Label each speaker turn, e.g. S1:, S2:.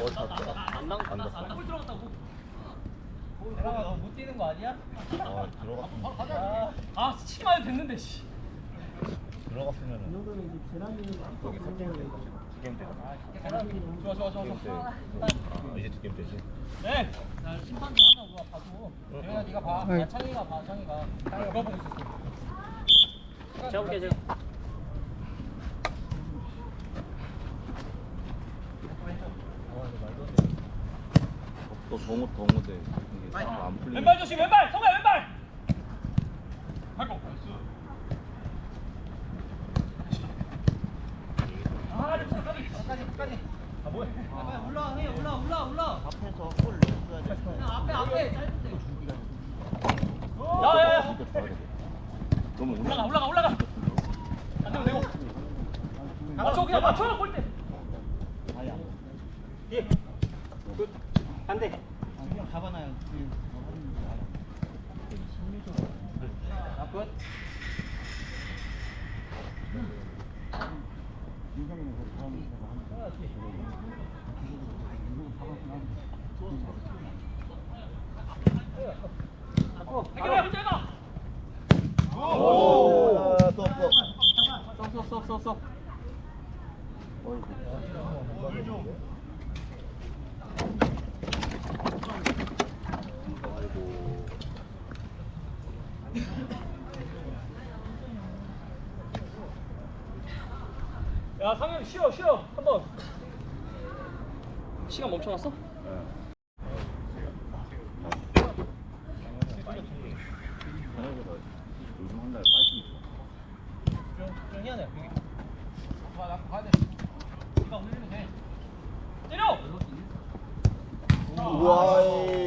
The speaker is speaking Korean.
S1: 안 났어.
S2: 골 들어갔다고.
S3: 내가 너못 뛰는 거 아니야?
S1: 들어갔으면
S2: 아 스치기만 해도 됐는데 씨.
S1: 들어갔으면은 여기 3게임 되잖아.
S2: 좋아.
S1: 게임 때. 이제 2게임 되지.
S2: 네.
S3: 나 심판 좀 하면 누가 봐줘. 영현아 네가 봐. 야, 창희가 봐. 창희가 그거 보고 있었어.
S2: 재볼게 재.
S1: 또 동호대 이게 안 풀리네.
S2: 왼발 조심 왼발. 성아 왼발. 발고. 아
S3: 끝까지.
S2: 아 뭐야?
S3: 올라.
S1: 앞에서 골 넣어줘야 돼.
S3: 그냥 앞에 짧은데.
S2: 야야야.
S1: 너무
S2: 올라가. 안 되면 되고. 맞춰 그냥 맞춰 골대. 예. 굿. 반대.
S3: 그냥 잡아놔요.
S2: 굿. 해결해 문제가.
S1: 오!
S2: 쏙. 야 상현 쉬어 한번. 시간 멈춰놨어?
S1: 요즘 한 달에 파이팅이 좋아.
S3: 좀 희한해. 나 가야 돼. 네가 올리면 돼.
S2: 때려.
S1: 우와.